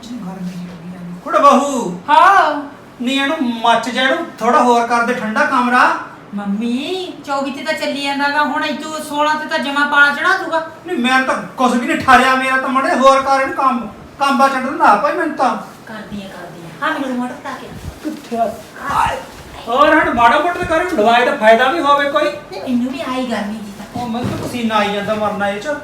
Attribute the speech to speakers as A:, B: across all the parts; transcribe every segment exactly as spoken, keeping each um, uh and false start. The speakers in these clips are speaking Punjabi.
A: ਮੱਛੀ ਗਰਮੀ ਜੀ ਲੱਗੀ ਜਾਂਦੀ ਕੁੜ ਬਹੂ
B: ਹਾਂ
A: ਨੀ ਇਹਨੂੰ ਮੱਚ ਜਾ ਇਹਨੂੰ ਥੋੜਾ ਹੋਰ ਕਰ ਦੇ ਠੰਡਾ ਕਮਰਾ
B: ਮੰਮੀ ਚੌਵੀ ਤੇ ਤਾਂ ਚੱਲੀ ਜਾਂਦਾਗਾ ਹੁਣ ਤੂੰ ਸੋਲਾਂ ਤੇ ਤਾਂ ਜਮਾ ਪਾਲਾ ਚੜਾ ਦੂਗਾ
A: ਨਹੀਂ ਮੈਂ ਤਾਂ ਕੁਛ ਵੀ ਨਹੀਂ ਠਾਰਿਆ ਮੇਰਾ ਤਾਂ ਮੜੇ ਹੋਰ ਕਰ ਇਹਨੂੰ ਕੰਮ ਕੰਬਾ ਛੱਡਣ ਨਾ ਭਾਈ ਮੈਨੂੰ ਤਾਂ
B: ਕਰਦੀ ਆ ਕਰਦੀ ਆ ਹਾਂ ਮੈਨੂੰ ਰਿਮੋਟ ਪਾ ਕੇ
A: ਕਿੱਥੇ ਆ ਹੋਰ ਹਣ ਮਾੜਾ ਮੋਟਾ ਕਰ ਦਵਾਈ ਦਾ ਫਾਇਦਾ ਵੀ ਹੋਵੇ ਕੋਈ
B: ਮੈਨੂੰ ਵੀ ਆਈ ਗਰਮੀ ਜੀ ਤਾਂ
A: ਉਹ ਮੈਨੂੰ ਤਾਂ ਪਸੀਨਾ ਆਈ ਜਾਂਦਾ ਮਰਨਾ ਇਹ ਚ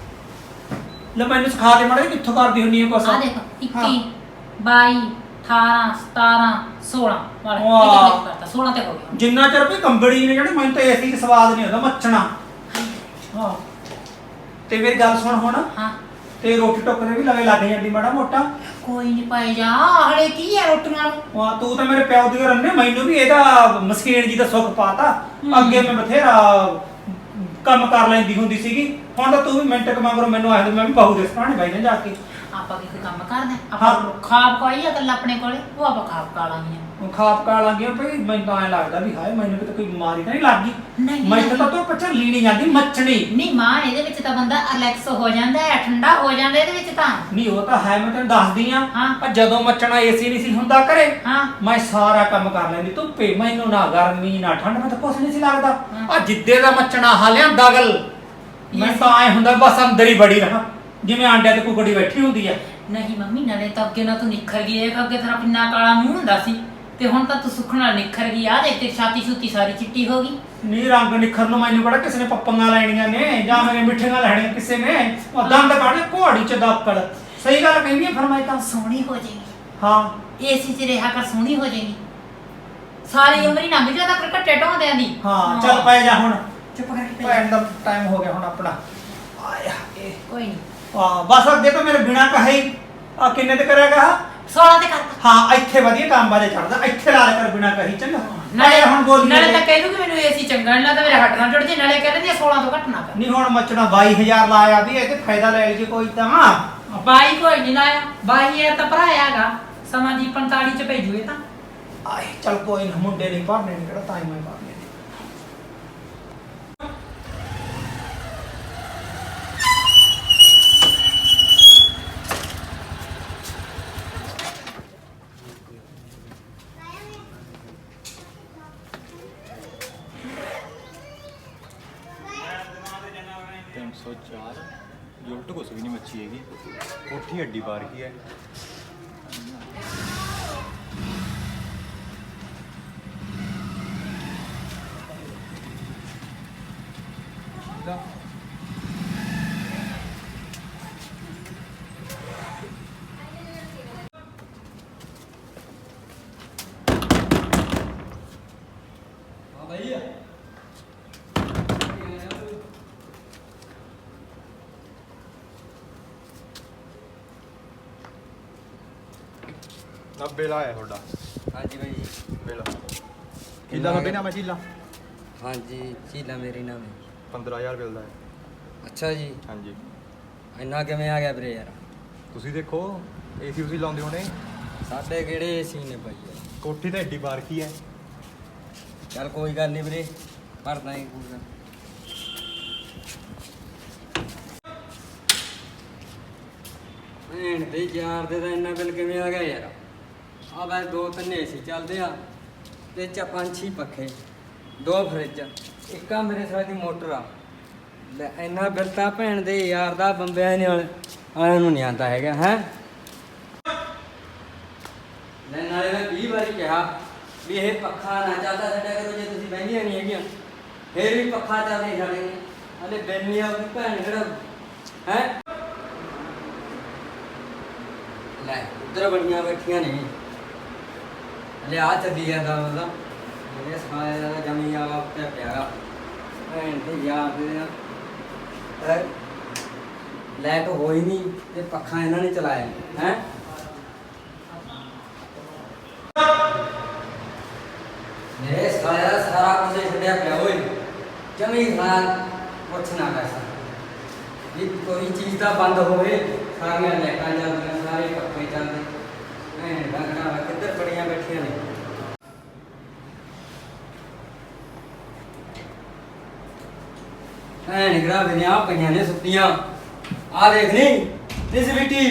A: ਲੈ ਮੈਨੂੰ ਸਿਖਾ ਦੇ ਮੜੇ ਕਿੱਥੋਂ ਕਰਦੀ ਹੁੰਨੀ ਹੈ ਕੁਛ
B: ਆ ਦੇਖ ਇੱਕੀ ਬਾਈ ਅਠਾਰਾਂ ਸਤਾਰਾਂ ਸੋਲਾਂ ਵਾਲਾ
A: ਵਾਹ।
B: ਇਹ ਕਿੰਨੇ ਕਰਤਾ ਸੋਲਾਂ ਤੇ ਹੋ ਗਿਆ
A: ਜਿੰਨਾ ਚਿਰ ਵੀ ਕੰਬੜੀ ਨੇ ਜਿਹੜੇ ਮੈਨੂੰ ਤਾਂ ਏਸੀ ਚ ਸਵਾਦ ਨਹੀਂ ਆਉਂਦਾ ਮੱਚਣਾ ਹਾਂ ਤੇ ਮੇਰੀ ਗੱਲ ਸੁਣ ਹੁਣ
B: ਹਾਂ
A: ਤੇ ਰੋਟੀ ਟੁੱਕ ਦੇ ਵੀ ਲਵੇ ਲੱਗ ਜਾਂਦੀ ਮਾੜਾ ਮੋਟਾ
B: ਕੋਈ ਨਹੀਂ ਪਾਈ ਜਾ ਹਲੇ ਕੀ ਹੈ ਰੋਟੀਆਂ ਨੂੰ
A: ਵਾਹ ਤੂੰ ਤਾਂ ਮੇਰੇ ਪਿਓ ਦੀ ਰੰਨੇ ਮੈਨੂੰ ਵੀ ਇਹਦਾ ਮਸਕੀਨ ਜੀ ਦਾ ਸੁੱਖ ਪਾਤਾ ਅੱਗੇ ਮੈਂ ਬਥੇਰਾ ਕੰਮ ਕਰ ਲੈਂਦੀ ਹੁੰਦੀ ਸੀਗੀ ਹੁਣ ਤਾਂ ਤੂੰ ਵੀ ਮਿੰਟ ਕ ਮਗਰੋਂ ਮੈਨੂੰ ਆਖਦੇ ਮੈਂ ਵੀ ਬਹੂ ਦੇ ਸਰਾਣੇ ਬੈਠ ਜਾ ਕੇ
B: ਆਪਾਂ ਕੀ ਕੋਈ ਕੰਮ ਕਰਦੇ ਆਪਾਂ ਖਾਬ ਕੋਈ ਆ ਗੱਲ ਆਪਣੇ ਕੋਲੇ ਉਹ ਆਪਾਂ ਖਾਬ ਕਾ ਲਾਂਗੇ
A: ਹੁਣ ਖਾਪ ਕਾ ਲੱਗ ਗਿਆ ਭਈ ਮੈਨੂੰ ਤਾਂ ਐ ਲੱਗਦਾ ਵੀ ਹਾਏ ਮੈਨੂੰ ਕਿਤੇ ਕੋਈ ਬਿਮਾਰੀ ਤਾਂ ਨਹੀਂ ਲੱਗ ਗਈ
B: ਨਹੀਂ
A: ਮੈਨੂੰ ਤਾਂ ਤੂੰ ਪਛਾ ਲੀਣੀ ਜਾਂਦੀ ਮੱਛਣੀ
B: ਨਹੀਂ ਮਾਂ ਇਹਦੇ ਵਿੱਚ ਤਾਂ ਬੰਦਾ ਰਿਲੈਕਸ ਹੋ ਜਾਂਦਾ ਹੈ ਠੰਡਾ ਹੋ ਜਾਂਦਾ ਇਹਦੇ ਵਿੱਚ ਤਾਂ
A: ਨਹੀਂ ਉਹ ਤਾਂ ਹੈ ਮੈਂ ਤੈਨੂੰ ਦੱਸਦੀ ਆ
B: ਹਾਂ।
A: ਪਰ ਜਦੋਂ ਮੱਚਣਾ ਏਸੀ ਨਹੀਂ ਸੀ ਹੁੰਦਾ ਘਰੇ
B: ਹਾਂ
A: ਮੈਂ ਸਾਰਾ ਕੰਮ ਕਰ ਲੈਂਦੀ ਧੁੱਪੇ ਮੈਨੂੰ ਨਾ ਗਰਮੀ ਨਾ ਠੰਡ ਮੈਂ ਤਾਂ ਕੁਛ ਨਹੀਂ ਸੀ ਲੱਗਦਾ
B: ਹਾਂ।
A: ਆ ਜਿੱਦੇ ਦਾ ਮੱਚਣਾ ਹਾਲਿਆਂ ਦਗਲ ਮੈਂ ਤਾਂ ਐ ਹੁੰਦਾ ਬਸ ਅੰਦਰ ਹੀ ਬੜੀ ਰਹਾ ਜਿਵੇਂ ਆਂਡਿਆਂ ਤੇ ਕੁਕੜੀ ਬੈਠੀ ਹੁੰਦੀ ਆ
B: ਨਹੀਂ ਮੰਮੀ ਨਾਲੇ ਤਾਂ ਅੱਗੇ ਨਾ ਤੂੰ ਨਿਖਰ ਗਈ ਇਹ ਅੱਗੇ ਤੇਰਾ ਕਿੰਨਾ ਕਾਲਾ ਮੂੰਹ ਹੁੰਦਾ ਸੀ ਤੇ ਹੁਣ ਤਾਂ ਤੂੰ ਸੁੱਖ ਨਾਲ ਨਿਖਰ ਗਈ ਆ ਦੇਖ ਤੇ ਛਾਤੀ ਛੁੱਤੀ ਸਾਰੀ ਚਿੱਟੀ ਹੋ ਗਈ
A: ਨੀ ਰੰਗ ਨਿਖਰ ਨੂੰ ਮੈਨੂੰ ਬੜਾ ਕਿਸੇ ਨੇ ਪੱਪੀਆਂ ਲੈਣੀਆਂ ਨੇ ਜਾਂ ਮੇਰੇ ਮਿੱਠੀਆਂ ਲੈਣੀਆਂ ਕਿਸੇ ਨੇ ਉਹ ਦੰਦ ਕੱਢ ਘੋੜੀ ਚ ਦਾਪੜ ਸਹੀ ਗੱਲ ਕਹਿੰਦੀ ਆ ਫਰਮਾਈ ਤਾਂ
B: ਸੋਹਣੀ ਹੋ ਜਾਏਗੀ
A: ਹਾਂ
B: ਏਸੀ 'ਚ ਰਿਹਾ ਕਰ ਸੋਹਣੀ ਹੋ ਜਾਏਗੀ ਸਾਰੀ ਉਮਰ ਹੀ ਲੰਘ ਜਾਂਦਾ ਕਰ ਘੱਟੇ ਢੋਂਦਿਆਂ ਦੀ
A: ਹਾਂ ਚੱਲ ਪੈ ਜਾ ਹੁਣ
B: ਚੁੱਪ ਕਰਕੇ ਪੈ
A: ਭੈਣ ਦਾ ਟਾਈਮ ਹੋ ਗਿਆ ਹੁਣ ਆਪਣਾ ਆਇਆ ਇਹ
B: ਕੋਈ ਨਹੀਂ
A: ਆ ਬਸ ਅੱਗੇ ਤਾਂ ਮੇਰੇ ਬਿਨਾ ਕਹੇ ਆ ਕਿੰਨੇ ਤੇ ਕਰਿਆਗਾ
B: ਸੋਲਾਂ ਤੇ ਕਰਤਾ
A: ਹਾਂ ਇੱਥੇ ਵਧੀਆ ਕੰਮ ਬਾਜੇ ਚੜਦਾ ਇੱਥੇ ਲਾ ਲੈ ਕਰ ਬਿਨਾ ਕਹੀ ਚੰਗਾ
B: ਨਾਲੇ
A: ਹੁਣ ਬੋਲੀ
B: ਨਾਲੇ ਤਾਂ ਕਹਿ ਦੂਗੀ ਮੈਨੂੰ ਏਸੀ ਚੰਗਾ ਨਹੀਂ ਲੱਗਦਾ ਮੇਰੇ ਹੱਡ ਨਾਲ ਜੁੜ ਜੇ ਨਾਲੇ ਕਹਿ ਦਿੰਦੀ ਸੋਲਾਂ ਤੋਂ ਘੱਟ ਨਾ ਕਰ
A: ਨਹੀਂ ਹੁਣ ਮੱਚਣਾ ਬਾਈ ਹਜ਼ਾਰ ਲਾਇਆ ਵੀ ਇਹ ਤੇ ਫਾਇਦਾ ਲੈ ਲਈ ਕੋਈ ਤਾਂ
B: ਬਾਈ ਕੋਈ ਨਹੀਂ ਲਾਇਆ ਬਾਈ ਇਹ ਤਾਂ ਭਰਾਇਆ ਹੈਗਾ ਸਮਾਂ ਦੀ ਪੰਤਾਲੀ ਚ ਭੇਜੂਏ ਤਾਂ
A: ਆਏ ਚੱਲ ਕੋਈ ਨਾ ਮੁੰਡੇ ਨਹੀਂ ਭਰਨੇ ਨੇ ਕਿਹੜਾ ਟਾਈਮ ਹੈ ਭਰਨੇ ਨੇ
C: तीन सौ चार जुलट कुछ भी नहीं मच्छी हैगी कोठी हड्डी बार की है अब बेला है थोड़ा
D: हाँ जी भाई
C: बेला चीला का बिना मैं चीला
D: हाँ जी झीला मेरी नाम है
C: पंद्रह हज़ार मिलता है
D: अच्छा जी
C: हाँ जी
D: ਇੰਨਾ ਕਿਵੇਂ ਆ ਗਿਆ ਵੀਰੇ ਯਾਰ
C: ਤੁਸੀਂ ਦੇਖੋ ਏਸੀ ਉਸੀ ਲਾਉਂਦੇ ਹੋਣੇ
D: ਸਾਡੇ ਕਿਹੜੇ ਏਸੀ ਨੇ ਭਾਈ ਯਾਰ।
C: ਕੋਠੀ ਤਾਂ ਏਡੀ ਬਾਰ ਕੀ ਹੈ
D: ਚੱਲ ਕੋਈ ਗੱਲ ਨਹੀਂ ਵੀਰੇ ਭਰਦਾ ਹੀ ਪੂਰਾ ਭੈਣ ਦੇ ਯਾਰ ਦੇ ਤਾਂ ਇੰਨਾ ਬਿੱਲ ਕਿਵੇਂ ਆ ਗਿਆ ਯਾਰ ਆ ਬਸ ਦੋ ਤਿੰਨ ਏਸੀ ਚੱਲਦੇ ਆ ਤੇ ਚਾ ਪੰਜ ਛੇ ਪੱਖੇ ਦੋ ਫਰਿੱਜ ਇੱਕ ਆ ਮੇਰੇ ਸਾਹ ਦੀ ਮੋਟਰ ਆ ਲੈ ਇੰਨਾ ਬਿੱਲ ਤਾਂ ਭੈਣ ਦੇ ਯਾਰ ਦਾ ਬੰਬਿਆਂ ਨਾਲ ਆਇਆਂ ਨੂੰ ਨਹੀਂ ਆਉਂਦਾ ਹੈਗਾ ਹੈ ਲੈ ਨਾਲੇ ਮੈਂ ਵੀਹ ਵਾਰੀ ਕਿਹਾ ਵੀ ਇਹ ਪੱਖਾ ਨਾ ਚੱਲਦਾ ਛੱਡਿਆ ਕਰੋ ਜੇ ਤੁਸੀਂ ਬਹਿੰਦੀਆਂ ਨਹੀਂ ਹੈਗੀਆਂ ਫੇਰ ਵੀ ਪੱਖਾ ਚੱਲਦੇ ਛੱਡੇ ਨੇ ਹਲੇ ਬੈਨੀ ਆ ਉਹਦੀ ਭੈਣ ਜਿਹੜਾ ਹੈ ਲੈ ਉੱਧਰ ਬੜੀਆਂ ਬੈਠੀਆਂ ਨੇ ਹਲੇ ਆ ਚੱਲੀ ਜਾਂਦਾ ਮਤਲਬ ਮੇਰੇ ਸਾਲੇ ਦਾ ਜਮੀ ਆ ਪਿਆ ਪਿਆਗਾ ਭੈਣ ਤੇ ਯਾਰ ਦੇ ਨਾਲ ਲਾਈਟ ਹੋਈ ਨਹੀਂ ਤੇ ਪੱਖਾ ਇਹਨਾਂ ਨੇ ਚਲਾਇਆ ਹੈ ਮੇਰੇ ਸਾਰਾ ਸਾਰਾ ਕੁਝ ਛੱਡਿਆ ਪਿਆ ਓਏ ਜਮੀ ਖਾਨ ਕੁਛ ਨਾ ਕਰ ਸਕਦਾ ਜੇ ਕੋਈ ਚੀਜ਼ ਦਾ ਬੰਦ ਹੋਵੇ ਸਾਰੀਆਂ ਲਾਈਟਾਂ ਚੱਲਦੀਆਂ ਸਾਰੇ ਪੱਖੇ ਚੱਲਦੇ ਭੈਣ ਦਾ ਘੜਾ ਕਿੱਧਰ ਬੜੀਆਂ ਬੈਠੀਆਂ ਨੇ ਭੈਣ ਗਰਾ ਬਿਨਿਆ ਪਈਆਂ ਨੇ ਸੁੱਤੀਆਂ ਆ ਦੇਖ ਨਹੀਂ ਇਸ ਬਿੱਟੀ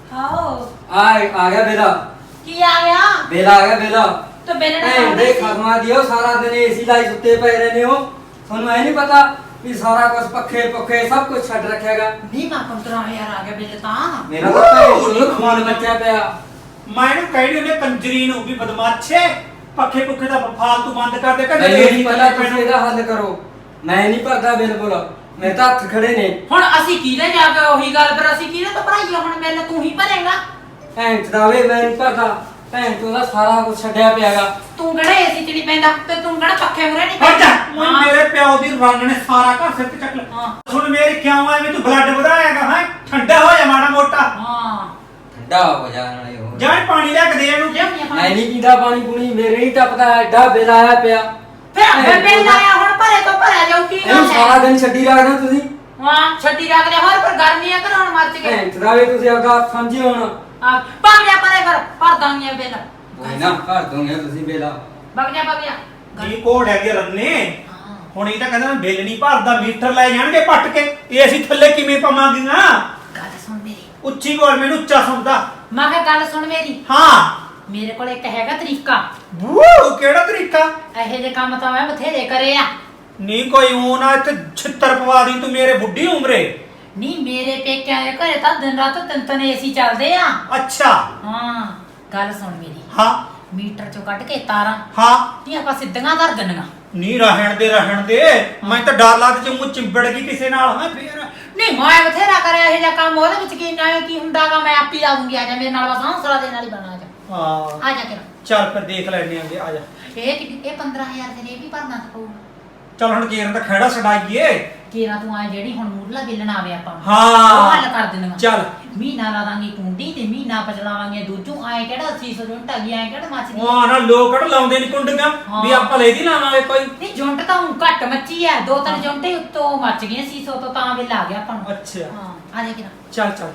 B: ਹਾਓ
D: ਆ ਆ ਗਿਆ ਬੇਲਾ
B: ਕੀ ਆ ਗਿਆ
D: ਬੇਲਾ ਆ ਗਿਆ ਬੇਲਾ
B: ਤੇ ਬੇਲਣਾ
D: ਭੈਣ ਦੇ ਖਸਮਾਂ ਦੀ ਉਹ ਸਾਰਾ ਦਿਨ ਏਸੀ ਲਾਈ ਸੁੱਤੇ ਪਏ ਰਹਿੰਦੇ ਹੋ ਤੁਹਾਨੂੰ ਐ ਨਹੀਂ ਪਤਾ ਵੀ ਸਾਰਾ ਕੁਝ ਪੱਖੇ ਪੱਖੇ ਸਭ ਕੁਝ ਛੱਡ ਰੱਖਿਆਗਾ
B: ਨਹੀਂ ਮਾ ਪੰਦਰਾਂ ਹਜ਼ਾਰ ਆ ਗਿਆ ਬਿੱਲ ਤਾਂ
D: ਮੇਰਾ ਤਾਂ ਭੈਣ ਨੂੰ ਖਵਾਨ ਮੱਚਿਆ ਪਿਆ
A: ਮੈਂ ਇਹਨੂੰ ਕਹਿਣੀ ਉਹਨੇ ਕੰਜਰੀ ਨੂੰ ਵੀ ਬਦਮਾਸ਼ੇ ਪੱਖੇ ਪੁੱਖੇ ਦਾ ਫਾਲਤੂ ਬੰਦ ਕਰ ਦੇ ਕਦੇ
D: ਮੈਨੂੰ ਨਹੀਂ ਪਤਾ ਤੁਸੀਂ ਇਹਦਾ ਹੱਲ ਕਰੋ ਮੈਂ ਨਹੀਂ ਭਰਦਾ ਬਿਲਕੁਲ ਮੇਰੇ ਤਾਂ ਹੱਥ ਖੜੇ ਨੇ
B: ਹੁਣ ਅਸੀਂ ਕਿਹਦੇ ਜਾ ਕੇ ਉਹੀ ਗੱਲ ਪਰ ਅਸੀਂ ਕਿਹਦੇ ਤੋਂ ਭਰਾਈਏ ਹੁਣ ਬਿੱਲ ਤੂੰ ਹੀ ਭਰੇਗਾ
D: ਭੈਣ ਚਦਾਵੇ ਮੈਂ ਨਹੀਂ ਭਰਦਾ ਭੈਣ ਤੋਂ ਦਾ ਸਾਰਾ ਕੁਝ ਛੱਡਿਆ ਪਿਆਗਾ
B: ਤੂੰ ਕਿਹੜਾ ਏਸੀ ਚ ਨਹੀਂ ਪੈਂਦਾ ਤੇ ਤੂੰ ਕਿਹੜਾ ਪੱਖੇ ਮੁਰੇ ਨਹੀਂ
A: ਹਟ ਜਾ
B: ਪੈਂਦਾ
A: ਓਏ ਮੇਰੇ ਪਿਓ ਦੀ ਰੰਗ ਨੇ ਸਾਰਾ ਘਰ ਸਿਰ ਤੇ ਚੱਕ ਲਿਆ
B: ਹਾਂ।
A: ਹੁਣ ਮੇਰੀ ਕਿਉਂ ਐਵੇਂ ਤੂੰ ਬਲੱਡ ਵਧਾਏਗਾ ਹੈ ਠੰਡਾ ਹੋ ਜਾ ਮਾੜਾ ਮੋਟਾ
B: ਹਾਂ
D: ਠੰਡਾ ਹੋ ਜਾ ਨਾਲੇ ਹੋ
A: ਜਾਂ ਪਾਣੀ ਲੈ ਕੇ ਦੇ ਇਹਨੂੰ
B: ਲਿਆਉਣੀ ਆ
D: ਮੈਂ
B: ਪਾਣੀ।
D: ਨਹੀਂ ਪੀਂਦਾ ਪਾਣੀ ਪੂਣੀ ਮੇਰੇ ਨਹੀਂ ਟੱਪਦਾ ਐਡਾ ਬਿੱਲ ਆਇਆ ਪਿਆ
B: ਫਿਰ ਆਪੇ ਬਿੱਲ ਆਇਆ ਹੁਣ ਭਰੇ ਤੋਂ ਭਰਿਆ ਜਾਊ ਕੀ
D: ਇਹਨੂੰ
B: ਗੱਲ
D: ਸਾਰਾ
B: ਹੈ
D: ਦਿਨ ਛੱਡੀ ਰੱਖਦੇ ਤੁਸੀਂ
B: ਹਾਂ ਛੱਡੀ ਰੱਖ ਲਿਆ ਹੋਰ ਪਰ ਗਰਮੀ ਆ ਘਰੋਂ ਮੱਚ ਗਏ
D: ਭੈਣ ਚਦਾਵੇ ਤੁਸੀਂ ਆਪਦਾ ਸਮਝੀ ਹੁਣ
B: ਆ ਭਰ ਲਿਆ ਪਰੇ ਫਿਰ ਭਰ ਦਾਂਗੇ ਬਿੱਲ
D: ਕੋਈ ਨਾ ਭਰ ਦੋਗੇ ਤੁਸੀਂ ਬੇਲਾ
B: ਵਗ ਜਾ ਵਗ ਜਾ
A: ਕੀ ਕੋਡ ਹੈਗੇ ਰੰਨੇ
B: ਹਾਂ
A: ਹੁਣ ਇਹ ਤਾਂ ਕਹਿੰਦਾ ਮੈਂ ਬਿੱਲ ਨਹੀਂ ਭਰਦਾ ਮੀਟਰ ਲੈ ਜਾਣਗੇ ਪੱਟ ਕੇ ਇਹ ਅਸੀਂ ਥੱਲੇ ਕਿਵੇਂ ਪਾਵਾਂਗੀਆਂ
B: ਗੱਲ ਸੁਣ ਮੇਰੀ
A: ਉੱਚੀ ਬੋਲ ਮੈਨੂੰ ਉੱਚਾ ਸੁਣਦਾ
B: ਮੈਂ ਕਿਹਾ ਗੱਲ ਸੁਣ ਮੇਰੀ
A: ਹਾਂ
B: ਮੇਰੇ ਕੋਲ ਇੱਕ ਹੈਗਾ ਤਰੀਕਾ
A: ਵੂ ਕਿਹੜਾ ਤਰੀਕਾ
B: ਇਹੋ ਜਿਹੇ ਕੰਮ ਤਾਂ ਮੈਂ ਬਥੇਰੇ ਕਰੇ ਆ
A: ਨਹੀਂ ਕੋਈ ਉਹ ਨਾ ਇੱਥੇ ਛਿੱਤਰ ਪਵਾ ਦੀ ਤੂੰ ਮੇਰੇ ਬੁੱਢੀ ਉਮਰੇ
B: ਨਹੀਂ ਮੇਰੇ ਪੇਕਿਆਂ ਦੇ ਘਰੇ ਤਾਂ ਦਿਨ ਰਾਤ ਤਿੰਨ ਤਿੰਨ ਏਸੀ ਚੱਲਦੇ ਆ
A: ਅੱਛਾ
B: ਹਾਂ ਗੱਲ ਸੁਣ ਮੇਰੀ
A: ਹਾਂ
B: ਮੀਟਰ ਚੋਂ ਕੱਢ ਕੇ ਤਾਰਾਂ
A: ਹਾਂ
B: ਨਹੀਂ ਆਪਾਂ ਸਿੱਧੀਆਂ ਧਰ ਦਿੰਨੀਆਂ
A: ਨਹੀਂ ਰਹਿਣ ਦੇ ਰਹਿਣ ਦੇ ਮੈਂ ਤਾਂ ਡਰ ਲੱਗ ਚ ਮੂੰਹ ਚਿੰਬੜ ਗਈ ਕਿਸੇ ਨਾਲ ਹਾਂ ਫੇਰ
B: ਨਹੀਂ ਮੈਂ ਬਥੇਰਾ ਕਰਿਆ ਇਹ ਜਿਹਾ ਕੰਮ ਉਹਦੇ ਵਿੱਚ ਕੀ ਨਾ ਕੀ ਹੁੰਦਾਗਾ ਮੈਂ ਆਪੀ ਲਾ ਦੂੰਗੀ ਆ ਜਾ ਮੇਰੇ ਨਾਲ ਬਸ ਹੌਸਲਾ ਦੇ ਨਾਲ ਹੀ ਬਣਾ ਜਾ
A: ਹਾਂ
B: ਆ ਜਾ ਕੇ
A: ਚੱਲ ਫਿਰ ਦੇਖ ਲੈਣੇ ਆਂਗੇ ਆ ਜਾ
B: ਇਹ ਕਿ- ਇਹ ਪੰਦਰਾਂ ਹਜ਼ਾਰ ਦੇ ਇਹ ਵੀ ਭਰਨਾ ਪਊਗਾ
A: ਚੱਲ ਹੁਣ ਕੇਰਨ ਦਾ ਖਹਿੜਾ ਛਡਾਈਏ
B: ਕੇਰਾ ਤੂੰ ਆ ਜਿਹੜੀ ਹੁਣ ਮੂਰਲਾ ਬਿੱਲ ਨਾ ਆਵੇ ਆਪਾਂ ਨੂੰ।
A: ਹਾਂ।
B: ਉਹ ਹੱਲ ਕਰ ਦਿੰਦੀਆਂ
A: ਚੱਲ।
B: ਮਹੀਨਾ ਲਾ ਦਾਂਗੇ ਕੁੰਡੀ ਤੇ ਮਹੀਨਾ ਪਚਲਾਵਾਂਗੇ ਦੂਜੂ ਆਏ ਕਿਹੜਾ ਅੱਸੀ ਸੌ ਜੁੰਟ ਆ ਗਈ ਆਏ ਕਿਹੜਾ ਮੱਚਦੀ
A: ਉਹ ਨਾ ਲੋਕ ਕਿਹੜਾ ਲਾਉਂਦੇ ਨਹੀਂ ਕੁੰਡੀਆਂ ਵੀ
B: ਹਾਂ।
A: ਆਪਾਂ ਲੈਦੀ ਲਾਵਾਂਗੇ ਕੋਈ
B: ਨਹੀਂ ਜੁੰਟ ਤਾਂ ਹੁਣ ਘੱਟ ਮੱਚੀ ਐ ਦੋ ਤਿੰਨ ਜੁੰਟੇ ਉੱਤੋਂ ਮੱਚ ਗਈਆਂ ਸੀ ਸੌ ਤੋਂ ਤਾਂ ਬਿੱਲ ਆ ਗਿਆ ਆਪਾਂ ਨੂੰ
A: ਅੱਛਾ
B: ਹਾਂ ਆ ਜਾ ਕਿਰਾ
A: ਚੱਲ ਚੱਲ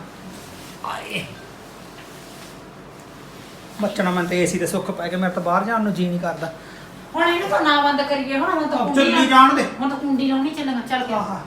A: ਆਏ ਮੱਚਣਾ ਮੈਂ ਤੇ ਏਸੀ ਦੇ ਸੁੱਖ ਪੈ ਕੇ ਮੇਰੇ ਤਾਂ ਬਾਹਰ ਜਾਣ ਨੂੰ ਜੀ ਨਹੀਂ ਕਰਦਾ
B: ਹੁਣ ਇਹਨੂੰ ਤਾਂ ਨਾ ਬੰਦ ਕਰੀਏ ਹੁਣ ਹੁਣ ਤਾਂ
A: ਆਹ,
B: ਕੁੰਡੀ
A: ਚੱਲੀ
B: ਲਾ-
A: ਜਾਣ ਦੇ।
B: ਹੁਣ ਤਾਂ ਕੁੰਡੀ ਲਾਉਣੀ ਚੱਲਣਾ ਚੱਲ ਕੇ
A: ਆਹਾ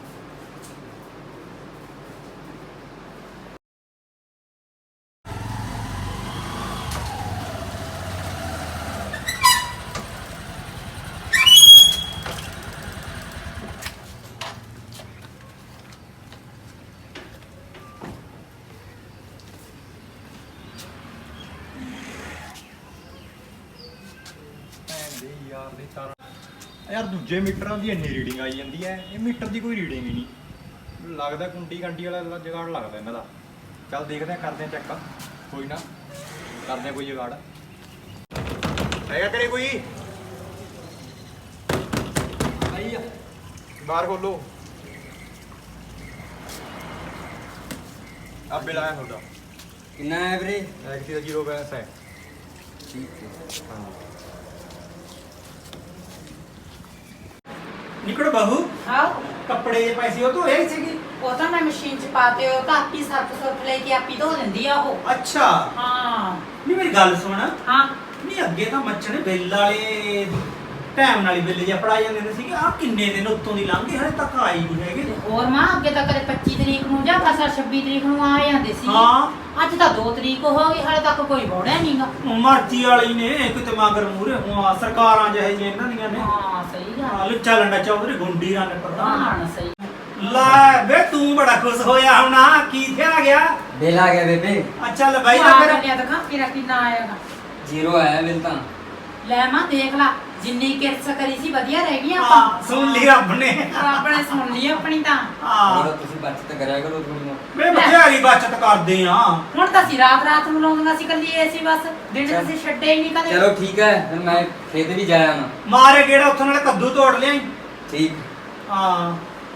C: ਦੇ ਯਾਰ ਦੇ ਤਾਰਾਂ ਯਾਰ ਦੂਜੇ ਮੀਟਰਾਂ ਦੀ ਇੰਨੀ ਰੀਡਿੰਗ ਆਈ ਜਾਂਦੀ ਹੈ ਇਹ ਮੀਟਰ ਦੀ ਕੋਈ ਰੀਡਿੰਗ ਹੀ ਨਹੀਂ ਲੱਗਦਾ ਕੁੰਡੀ ਕੰਡੀ ਵਾਲਾ ਜੁਗਾੜ ਲੱਗਦਾ ਇਹਨਾਂ ਦਾ ਚੱਲ ਦੇਖਦੇ ਆ ਕਰਦੇ ਆ ਚੈੱਕ ਕੋਈ ਨਾ ਕਰਦੇ ਆ ਕੋਈ ਜੁਗਾੜ ਹੈਗਾ ਕਰੇ ਕੋਈ
D: ਆਈ ਆ
C: ਬਾਹਰ ਖੋਲੋ ਆ ਬਿਲ ਆਇਆ ਤੁਹਾਡਾ
D: ਕਿੰਨਾ ਹੈ ਵੀਰੇ
C: ਐਕਟੀ ਦਾ ਜ਼ੀਰੋ ਬੈਲੈਂਸ ਹੈ
D: ਠੀਕ ਹੈ
C: ਹਾਂ
A: ਨਿਕੜ ਬਹੂ
B: ਆਓ
A: ਕੱਪੜੇ ਦੇ ਪੈਸੇ ਉਹ ਧੋਏ ਨਹੀਂ ਸੀਗੀ
B: ਉਹ ਤਾਂ ਮੈਂ ਮਸ਼ੀਨ 'ਚ ਪਾਤੇ ਉਹ ਤਾਂ ਆਪੀ ਸਰਫ ਸਰਫ ਲੈ ਕੇ ਆਪੀ ਧੋ ਲੈਂਦੀ ਆ ਉਹ
A: ਅੱਛਾ
B: ਹਾਂ
A: ਨਹੀਂ ਮੇਰੀ ਗੱਲ ਸੁਣ
B: ਹਾਂ
A: ਨਹੀਂ ਅੱਗੇ ਤਾਂ ਮੱਛਣੇ ਬਿੱਲ ਵਾਲੇ ਟਾਈਮ ਨਾਲ ਹੀ ਬਿੱਲ ਜਿਹਾ ਫੜਾ ਜਾਂਦੇ ਹੁੰਦੇ ਸੀਗੇ ਆ ਕਿੰਨੇ ਦਿਨ ਉੱਤੋਂ ਦੀ ਲੰਘ ਗਏ ਹਲੇ ਤੱਕ ਆਈ ਨਹੀਂ ਹੈਗੇ
B: ਤੇ ਹੋਰ ਮਾਂ ਅੱਗੇ ਤਾਂ ਕਦੇ ਪੱਚੀ ਤਰੀਕ ਨੂੰ ਜਾਂ ਕਸਾ ਛੱਬੀ ਤਰੀਕ ਨੂੰ ਆ ਜਾਂਦੇ ਸੀ
A: ਹਾਂ।
B: ਅੱਜ ਤਾਂ ਦੋ ਤਰੀਕ ਹੋ ਗਈ ਹਾਲੇ ਤੱਕ ਕੋਈ ਬੋੜਿਆ ਨਹੀਂਗਾ
A: ਮਰਜ਼ੀ ਵਾਲੀ ਨੇ ਕਿਤੇ ਮਗਰ ਮੂਰੇ ਹਾਂ ਸਰਕਾਰਾਂ ਜਿਹੇ ਜਿਹੀਆਂ ਇਹਨਾਂ ਦੀਆਂ ਨੇ
B: ਹਾਂ ਸਹੀ ਗੱਲ
A: ਹਾਂ ਲੁੱਚਾ ਲੰਡਾ ਚੌਧਰੀ ਗੁੰਡੀ ਰਾਂ ਨੇ ਪ੍ਰਧਾਨ
B: ਹਾਂ ਸਹੀ
A: ਲੈ ਵੇ ਤੂੰ ਬੜਾ ਖੁਸ਼ ਹੋਇਆ ਹੁਣਾ ਕੀ ਥਿਆ ਗਿਆ
D: ਬਿੱਲ ਆ ਗਿਆ ਬੇਬੇ
A: ਅੱਛਾ ਲੈ ਬਾਈ
B: ਆ
A: ਦਾ ਫਿਰ
B: ਗੱਲਿਆ ਦਿਖਾ ਕਿਰਾ ਕਿੰਨਾ ਆਏਗਾ
D: ਜ਼ੀਰੋ ਆਇਆ ਬਿੱਲ ਤਾਂ
B: ਲੈ ਮਾਂ ਦੇਖ ਲਾ ਜਿੰਨੀ ਕਿਰਤ ਕਰੀ ਸੀ ਵਧੀਆ ਰਹਿ ਗਈ
A: ਹਾਂ
B: ਆਪਾਂ
A: ਸੁਣ ਲਈ ਰੱਬ ਨੇ
B: ਰੱਬ ਨੇ ਸੁਣ ਲਈ ਆਪਣੀ ਤਾਂ
A: ਹਾਂ
D: ਹੋਰ ਤੁਸੀਂ ਬਚਤ ਕਰਿਆ ਕਰੋ ਥੋੜੀ
A: ਵੇ ਬਥੇਰੀ ਬਚਤ ਕਰਦੇ ਆ
B: ਹੁਣ ਤਾਂ ਅਸੀਂ ਰਾਤ ਰਾਤ ਨੂੰ ਲਾਉਂਦੀਆਂ ਸੀ ਕੱਲੀ ਏਸੀ ਬਸ ਦਿਨ
D: ਚੱਲ।
B: ਅਸੀਂ ਛੱਡੇ ਹੀ ਨਹੀਂ ਕਦੇ
D: ਚਲੋ ਠੀਕ ਹੈ ਫਿਰ ਮੈਂ ਖੇਤ ਵੀ ਜਾਇਆ ਨਾ
A: ਮਾਰੇ ਗੇੜਾ ਉੱਥੋਂ ਨਾਲੇ ਕੱਦੂ ਤੋੜ ਲਿਆਈ
D: ਠੀਕ
A: ਹਾਂ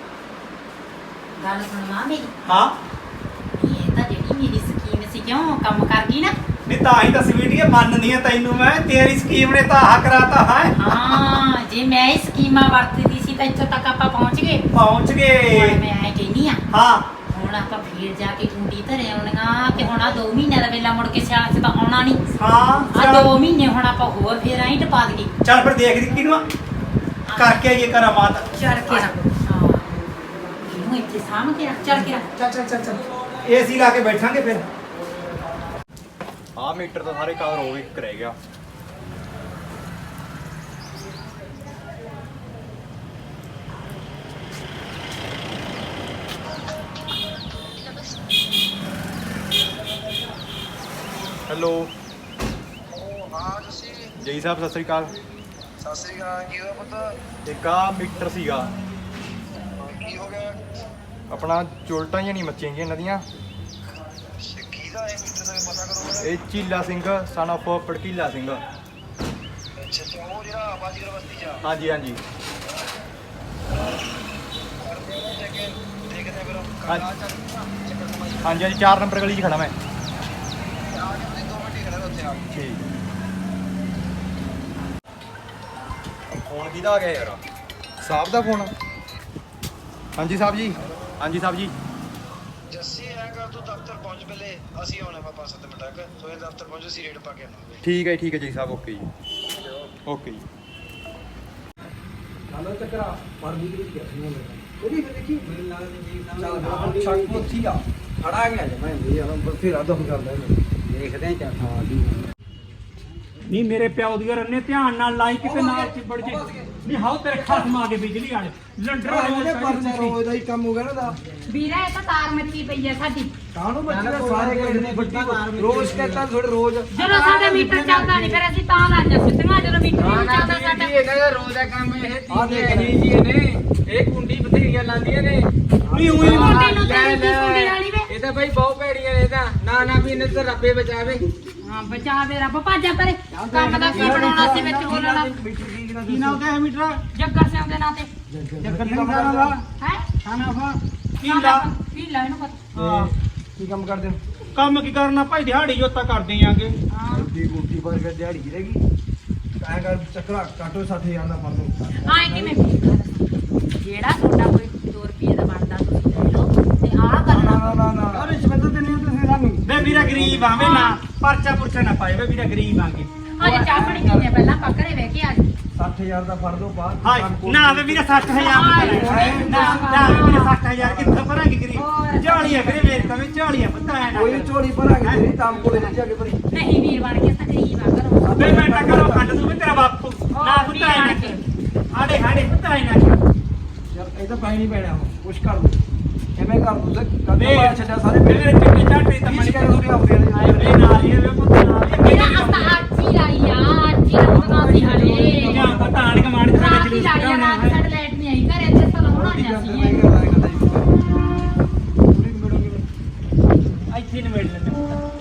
B: ਗੱਲ ਸੁਣ ਮਾਂ ਮੇਰੀ
A: ਹਾਂ
B: ਇਹ ਤਾਂ ਜਿਹੜੀ ਮੇਰੀ ਸਕੀਮ ਸੀ ਕਿਉਂ ਕੰਮ ਕਰ ਗਈ ਨਾ
A: ਨਹੀਂ ਤਾਂ ਹੀ ਤਾਂ ਸਵੀਟੀਏ ਮੰਨਦੀ ਆ ਤੈਨੂੰ ਮੈਂ ਤੇਰੀ ਸਕੀਮ ਨੇ ਤਾਂ ਆਹ ਕਰਾਤਾ ਹੈ
B: ਹਾਂ ਜੇ ਮੈਂ ਇਹ ਸਕੀਮਾਂ ਵਰਤਦੀ ਸੀ ਤਾਂ ਇੱਥੋਂ ਤੱਕ ਆਪਾਂ ਪਹੁੰਚ ਗਏ
A: ਪਹੁੰਚ
B: ਹੁਣ
A: ਗਏ
B: ਮੈਂ ਐ ਕਹਿੰਦੀ ਆ
A: ਹਾਂ
B: ਹੁਣ ਆਪਾਂ ਫੇਰ ਜਾ ਕੇ ਕੁੰਡੀ ਧਰੇ ਆਉਣੀਆਂ ਤੇ ਹੁਣ ਆ ਦੋ ਮਹੀਨਿਆਂ ਦਾ ਵੇਲਾ ਮੁੜ ਕੇ ਸਿਆਲ ਚ ਤਾਂ ਆਉਣਾ ਨਹੀਂ
A: ਹਾਂ
B: ਆ
A: ਚੱਲ।
B: ਦੋ ਮਹੀਨੇ ਹੁਣ ਆਪਾਂ ਹੋਰ ਫੇਰ ਆਈ ਟਪਾ ਦਈਏ
A: ਚੱਲ ਫਿਰ ਦੇਖਦੀ ਕਿਨੂੰ ਆ। ਕਰਕੇ ਆਈਏ ਕਰਾਮਾਤ
B: ਚੱਲ ਕੇ ਰੱਖ ਹਾਂ ਇਹਨੂੰ ਇੱਥੇ ਸਾਂਭ ਕੇ ਰੱਖ ਚੱਲ ਕੇ ਰੱਖ
A: ਚੱਲ ਚੱਲ ਚੱਲ ਚੱਲ ਏਸੀ ਲਾ ਕੇ ਬੈਠਾਂਗੇ ਫਿਰ
C: ਆਹ ਮੀਟਰ ਤਾਂ ਸਾਰੇ ਕਵਰ ਹੋ ਗਏ, ਇੱਕ ਰਹਿ ਗਿਆ। ਹੈਲੋ
E: ਹਾਂ ਤੁਸੀਂ
C: ਜੈ ਸਾਹਿਬ, ਸਤਿ ਸ੍ਰੀ ਅਕਾਲ।
E: ਸਤਿ ਸ੍ਰੀ ਅਕਾਲ। ਕੀ ਹੋਇਆ ਪੁੱਤ?
C: ਇੱਕ ਆਹ ਮੀਟਰ ਸੀਗਾ
E: ਕੀ ਹੋ ਗਿਆ?
C: ਆਪਣਾ, ਚੁਲਟਾਂ ਜਿਹੀਆਂ ਨਹੀਂ ਮੱਚੀਆਂ ਗਈਆਂ ਇਹਨਾਂ ਦੀਆਂ।
E: ਕੀ ਦਾ ਇਹ ਮੀਟਰ ਦਾ ਪਤਾ ਕਰੋ।
C: ਇਹ ਚੀਲਾ ਸਿੰਘ ਸਨ ਆਫ ਪੜਕੀਲਾ ਸਿੰਘ।
E: ਅੱਛਾ ਅੱਛਾ, ਉਹ ਜਿਹੜਾ ਬਾਜੀਗਰ ਬਸਤੀ ਚ ਆ।
C: ਹਾਂਜੀ ਹਾਂਜੀ
E: ਕਰਦੇ ਆ ਜਾ ਕੇ ਦੇਖਦੇ ਆ ਫਿਰ
C: ਹਾਂ।
E: ਕੱਲ ਆ ਚੱਲ ਚੱਕਰ ਸਮਾਈ
C: ਹਾਂਜੀ ਹਾਂਜੀ ਚਾਰ ਨੰਬਰ ਗਲੀ 'ਚ ਖੜਾ ਮੈਂ।
E: ਆ ਕੇ ਉਹਦੇ ਦੋ ਮਿੰਟ ਹੀ ਖੜਾ ਉੱਥੇ ਆ ਕੇ।
C: ਠੀਕ। ਫੋਨ ਕਿਹਦਾ ਆ ਗਿਆ ਯਾਰ? ਸਾਹਿਬ ਦਾ ਫੋਨ। ਹਾਂਜੀ ਸਾਹਿਬ ਜੀ। ਹਾਂਜੀ ਸਾਹਿਬ ਜੀ।
E: ਜੱਸੀ ਐ ਕਰ ਤੂੰ ਦਫ਼ਤਰ ਪਹੁੰਚ ਪਹਿਲੇ, ਅਸੀਂ ਆਉਣਾ ਵਾ ਪੰਜ ਸੱਤ ਮਿੰਟ ਤੱਕ। ਤੂੰ ਇਹ ਦਫ਼ਤਰ ਪਹੁੰਚ, ਅਸੀਂ ਰੇਟ ਪਾ ਕੇ ਆਵਾਂਗੇ।
C: ਠੀਕ ਹੈ ਠੀਕ ਹੈ ਜੀ ਸਾਹਿਬ, ਓਕੇ ਜੀ ਓਕੇ ਜੀ।
F: ਨਾਲੇ ਚੱਕਰਾ ਪਰ ਵੀ ਕੀ ਕਰਨੀ ਹੈ ਉਹਦੀ ਫਿਰ ਦੇਖੀ
D: ਮੈਨੂੰ ਲੱਗਦਾ ਜੀ
F: ਚੱਲ
D: ਸਾਹਮਣੇ
F: ਛੱਕ ਉੱਥੀ ਆ ਖੜਾ ਗਿਆ ਜੇ ਮੈਂ ਵੀ ਯਾਰ ਬਥੇਰਾ ਦਮ ਕਰਦਾ ਇਹਨੂੰ
D: ਦੇਖਦੇ ਆ ਚੱਲ।
F: ਹਾਂ ਜੀ
A: ਨਹੀਂ ਮੇਰੇ ਪਿਓ ਦੀ ਰੰਨੇ ਧਿਆਨ ਨਾਲ ਲਾਈ ਕਿਤੇ ਨਾਲ ਚਿਬੜ ਜੇ। ਨਹੀਂ ਹਾਉ ਤੇਰੇ ਖਸਮ ਆ ਗਏ ਬਿਜਲੀ ਵਾਲੇ ਲੰਡਰ
F: ਉਹਦੇ ਪਰਚਾ ਰੋਜ਼ ਦਾ ਹੀ ਕੰਮ ਹੋ ਗਿਆ ਨਾ ਦਾ
G: ਵੀਰਾ ਇਹ ਤਾਂ ਤਾਰ ਮੱਚੀ ਪਈ ਹੈ ਸਾਡੀ।
F: ਕਾਹਨੂੰ ਬੱਚੇ ਸਾਰੇ ਕਹਿੰਦੇ ਨੇ ਵੱਡੀ ਰੋਜ਼ ਕਹਿੰਦਾ ਥੋੜੇ ਰੋਜ਼
G: ਜਦੋਂ ਸਾਡਾ ਮੀਟਰ ਚੱਲਦਾ ਨਹੀਂ ਫਿਰ ਅਸੀਂ ਤਾਂ ਲਾਈਆਂ ਸਿੱਧੀਆਂ, ਜਦੋਂ ਮੀਟਰ ਨਹੀਂ ਚੱਲਦਾ ਸਾਡਾ।
D: ਇਹਨਾਂ ਦਾ ਰੋਜ਼ ਦਾ ਕੰਮ ਇਹ
F: ਆਹ
D: ਤੀ
F: ਦੇਖ
D: ਜੀ ਜੀ ਨੇ ਇਹ ਕੁੰਡੀ ਬਥੇਰੀਆਂ ਲਾਉਂਦੀਆਂ ਨੇ।
A: ਨਹੀਂ ਉਹੀ
G: ਕੁੰਡੀ ਨੂੰ ਤੇਰੀ ਕੀ ਕੁੰਡੀ ਵਾਲੀ ਵੇ?
D: ਇਹ ਤਾਂ ਬਈ ਬਹੁਤ ਭੈੜੀਆਂ ਨੇ ਤਾਂ ਨਾ ਨਾ ਵੀ ਇਹਨੇ ਤਾਂ ਰੱਬੇ ਬਚਾਵੇ।
G: ਹਾਂ ਬਚਾ ਦੇ ਰੱਬ, ਭਾਜਾ ਪਰੇ। ਕੰਮ ਦਾ ਕੀ ਬਣਾਉਣਾ ਸੀ ਵਿੱਚ ਬੋਲਣਾ?
F: ਕੀ ਨਾਮ ਤੇ ਹੈ ਮੀਟਰ
G: ਜੱਗਰ ਸਿੰਘ ਦੇ ਨਾਂ ਤੇ
F: ਜੱਗਰ ਸਿੰਘ ਦਾ ਵਾ
G: ਹੈ
F: ਖਾਣਾ ਫਾ
A: ਕੀ ਲਾ
G: ਕੀ ਲਾ ਇਹਨੂੰ ਪਤਾ।
A: ਹਾਂ,
F: ਕੀ ਕੰਮ ਕਰਦੇ ਹੋ
A: ਕੰਮ ਕੀ ਕਰਨਾ ਭਾਈ, ਦਿਹਾੜੀ ਜੋਤਾ ਕਰਦੇ ਆਂਗੇ।
G: ਹਾਂ
F: ਰੋਟੀ ਰੋਟੀ ਪਰ ਕੇ ਦਿਹਾੜੀ ਰਹੇਗੀ ਐਂ ਕਰ ਚੱਕਰਾ ਕਾਟੋ ਸੱਠ ਹਜ਼ਾਰ ਦਾ ਫੜ ਦੋ
G: ਹਾਂ ਇਹ ਕਿਵੇਂ? ਜਿਹੜਾ ਤੁਹਾਡਾ ਕੋਈ ਦੋ ਰੁਪਏ ਦਾ ਬਣਦਾ ਤੁਸੀਂ ਲੈ ਲਓ ਤੇ ਆਹ ਕਰਨਾ।
F: ਨਾ ਨਾ ਨਾ ਨਾ ਰਿਸ਼ਵਤ ਦੇਣੀ ਤੁਸੀਂ ਸਾਨੂੰ
A: ਵੇ ਵੀਰਾ ਗਰੀਬ ਆਵੇਂ ਨਾ ਪਰਚਾ ਪੁਰਚਾ ਨਾ ਪਾਏ, ਵੇ ਵੀਰਾ ਗਰੀਬ ਆਂਗੇ।
G: ਅੱਜ ਚਾਹ ਪਾਣੀ ਪੀਣੇ ਪਹਿਲਾਂ ਪਕੜੇ ਬਹਿ ਕੇ ਆ ਜੀ।
F: ਸੱਠ ਹਜ਼ਾਰ ਦਾ ਫੜ ਦੋ ਬਾਅਦ
A: ਹਾਏ ਨਾ ਵੇ ਵੀਰਾ ਸੱਠ ਹਜ਼ਾਰ ਨਾ ਨਾ ਵੇ ਵੀਰਾ ਸੱਠ ਹਜ਼ਾਰ ਕਿੱਥੋਂ ਭਰਾਂਗੇ ਗਰੀਬ? ਝਾਲੀਆਂ ਵੀਰੇ ਮੇਰੇ ਤਾਂ ਵੀ ਝਾਲੀਆਂ ਪਤਾ ਐ ਨਾ
F: ਕੋਈ ਝੋਲੀ ਭਰਾਂਗੇ ਤੇਰੀ ਤਾਮ ਕੋਲੇ ਨਹੀਂ ਜਾ ਕੇ ਭਰੀ
G: ਨਹੀਂ ਵੀਰ ਬਣ ਕੇ ਤਕਰੀਬ ਆ ਕਰੋ।
A: ਵੇ ਮੈਂ ਤਾਂ ਕਰੋ ਖੰਡ ਤੂੰ ਵੀ ਤੇਰਾ ਬਾਪੂ ਨਾ ਪੁੱਤਾ ਐ ਨਾ ਹਾੜੇ ਹਾੜੇ ਪੁੱਤਾ ਐ ਨਾ
F: ਯਾਰ ਇਹ ਤਾਂ ਪਾਈ ਨਹੀਂ ਪੈਣਾ ਹੁਣ ਕੁਛ ਕਰ ਦੋ ਕਿਵੇਂ ਕਰ ਦੋ ਤੇ
A: ਵੇ
F: ਕਦੋਂ ਬਾਅਦ ਛੱਡਿਆ ਸਾਰੇ
A: ਮੇਰੇ ਚਿੱਟੇ ਝਾਟੇ ਤਾਂ
F: ਵੀਹ
A: ਮਣੀ
F: ਸ਼ਿਕਾਇਤ ਹੋ ਆਉਂਦੇ ਨੇ
A: ਆਏ ਵੇ ਨਾਲ ਹੀ ਵੇ ਪੁੱਤ ਨਾਲ ਹੀ
G: ਮੇਰਾ ਅਸਾਂ ਅੱਜ ਹੀ ਲਾਈ ਆ, ਅੱਜ ਹੀ ਲਾਉਣਾ ਸੀ ਹਲੇ।
A: ਜਾਂ ਪਤਾ ਆਣ ਕੇ ਮਾਣ ਕੇ
G: ਰਾਤ ਹੀ
A: ਜਲੂਸ
G: ਲਾਈ ਆ, ਰਾਤ
A: ਕਢਾਉਣਾ
G: ਸਾਡੇ ਲਾਈਟ ਨਹੀਂ ਆਈ ਘਰੇ ਤੇ ਸਲਾਉਣਾ
F: ਰੋਟੀ
G: ਨਹੀਂ
F: ਕਰਦੇ
G: ਸੀ।
F: ਨਹੀਂ ਕਰਦਾ ਕਰਦਾ ਜੀ ਪੂਰੀ ਮਿਲੋਗੇ
A: ਇੱਥੇ ਨਿਬੇੜ ਲੈਂਦੇ ਪੁੱਤ।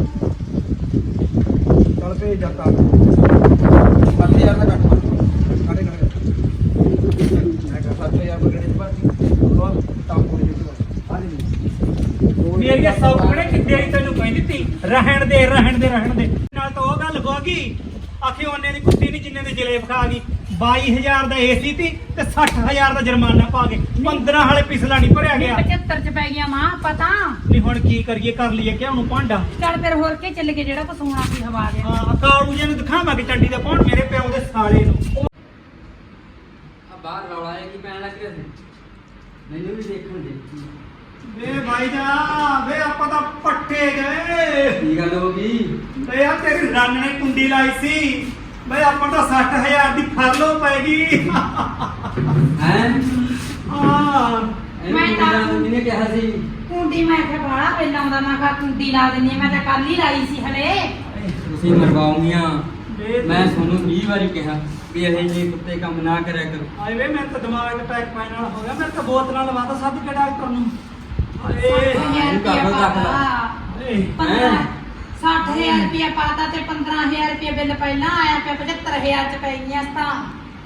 F: ਚੱਲ ਭੇਜ ਜਾ ਤਾਂ ਸੱਠ ਹਜ਼ਾਰ ਦਾ ਕੱਟ ਕਾੜੇ ਕਾੜੇ ਮੈਂ ਕਿਹਾ ਸੱਠ ਹਜ਼ਾਰ ਬਗੜੇ ਦੀ ਬਾਤ ਉਹ ਤਾਮ ਕੋਲੇ ਜੁਟ ਆ ਜੀ
A: ਮੇਰੀਆਂ ਸੌਕੜੇ ਕਿੱਦੇ ਹੀ ਤੈਨੂੰ ਕਹਿੰਦੀ ਤੀ ਰਹਿਣ ਦੇ ਰਹਿਣ ਦੇ ਰਹਿਣ ਦੇ ਨਾਲ ਤਾਂ ਉਹ ਗੱਲ ਹੋ ਗਈ ਆਖੇ ਉਹਨੇ ਦੀ ਕੁੱਤੀ ਨਹੀਂ ਜਿੰਨੇ ਦੇ ਜਲੇਬ ਖਾ ਗਈ। ਬਾਈ ਹਜ਼ਾਰ ਦਾ ਏਸੀ ਤੀ ਤੇ ਸੱਠ ਹਜ਼ਾਰ ਦਾ ਜੁਰਮਾਨਾ ਪਾ ਗਏ। ਪੰਦਰਾਂ ਹਾਲੇ ਪਿਛਲਾ ਨਹੀਂ ਭਰਿਆ ਗਿਆ।
G: ਪਚੱਤਰ ਚ ਪੈ ਗਿਆ ਮਾਂ ਪਤਾ।
A: ਨਹੀਂ ਹੁਣ ਕੀ ਕਰੀਏ, ਕਰ ਲਈਏ ਕਿ ਉਹਨੂੰ ਭਾਂਡਾ।
G: ਚੱਲ ਫਿਰ ਹੋਰ ਕੇ ਚੱਲ ਕੇ ਜਿਹੜਾ ਕੋ ਸੋਣਾ ਸੀ ਹਵਾ ਦੇ।
A: ਹਾਂ ਕਾਲੂ ਜੀ ਨੂੰ ਦਿਖਾਵਾਂਗੇ ਚੰਡੀ ਦਾ ਪੌਣ ਮੇਰੇ ਪਿਓ ਦੇ ਸਾਲੇ ਨੂੰ।
D: ਆ ਬਾਹਰ ਰੌਲਾ ਹੈ ਕੀ ਪੈਣ ਲੱਗ ਰਿਹਾ ਸੀ? ਮੈਨੂੰ ਵੀ ਦੇਖਣ ਦੇ।
A: ਵੇ ਭਾਈ ਜਾ ਵੇ ਆਪਾਂ ਤਾਂ ਪੱਟੇ ਗਏ।
D: ਕੀ ਗੱਲ ਹੋ ਗਈ?
A: ਵੇ ਯਾਰ ਤੇਰੀ ਰੰਨ ਨੇ ਕੁੰਡੀ ਲਾਈ ਸੀ। ਵੇ ਆਪਾਂ ਤਾਂ ਸੱਠ ਹਜ਼ਾਰ ਦੀ ਫਰਲੋ ਪੈ ਗਈ।
D: ਹੈ
A: ਹਾਂ
D: ਮੈਂ
G: ਮੈਂ ਤਾਂ-
D: ਤਾਂ ਕਿਹਨੇ ਕਿਹਾ ਸੀ?
G: ਕੁੰਡੀ ਮੈਂ ਕਿਹਾ ਬਾਹਲਾ ਪਹਿਲਾਂ ਆਉਂਦਾ ਮੈਂ ਕਿਹਾ ਕੁੰਡੀ ਲਾ ਦਿੰਨੀ ਆ, ਮੈਂ ਤਾਂ ਕੱਲ ਹੀ ਲਾਈ ਸੀ ਹਲੇ।
D: ਤੁਸੀਂ ਮਰਵਾਉਂਗੀਆਂ।
A: ਵੇ
D: ਮੈਂ ਤੁਹਾਨੂੰ ਵੀਹ ਵਾਰੀ ਕਿਹਾ ਵੀ ਇਹ ਜਿਹੇ ਕੁੱਤੇ ਕੰਮ ਨਾ ਕਰਿਆ ਕਰੋ।
A: ਆਏ ਵੇ ਮੇਰੇ ਤਾਂ ਦਿਮਾਗ ਤੇ ਪੈਕ ਪੈਣ ਵਾਲਾ ਹੋ ਗਿਆ। ਮੇਰੇ ਤਾਂ ਬੋਤਲਾਂ ਲਵਾਤਾ ਸਭ ਕੇ ਡਾਕਟਰ ਨੂੰ। ਆਏ
G: ਹਜ਼ਾਰ
D: ਤੂੰ ਕਰ ਲਓ
G: ਰੁਪਇਆ
D: ਦਾਖਲਾ।
G: ਪਾਤਾ।
A: ਏ
G: ਪੰਦਰਾਂ ਸੱਠ ਹਜ਼ਾਰ ਰੁਪਇਆ ਪਾਤਾ ਤੇ ਪੰਦਰਾਂ ਹਜ਼ਾਰ ਰੁਪਇਆ ਬਿੱਲ ਪਹਿਲਾਂ ਆਇਆ ਪਿਆ, ਪਝੱਤਰ ਹਜ਼ਾਰ ਚ ਪੈ ਗਈਆਂ ਤਾਂ।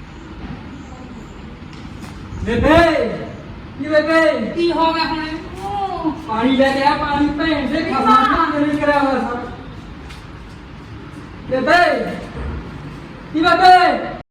D: ਬੇਬੇ ਕੀ ਬੇਬੇ
G: ਕੀ ਹੋ ਗਿਆ ਹੁਣ? ਊ,
D: ਪਾਣੀ ਲੈ ਕੇ ਆ। ਪਾਣੀ ਭੈਣ ਦੇ ਖਾਣਾ ਨਹੀਂ ਕਰਿਆ ਹੋਇਆ ਸਭ। ਬੇਬੇ ਕੀ ਬੇਬੇ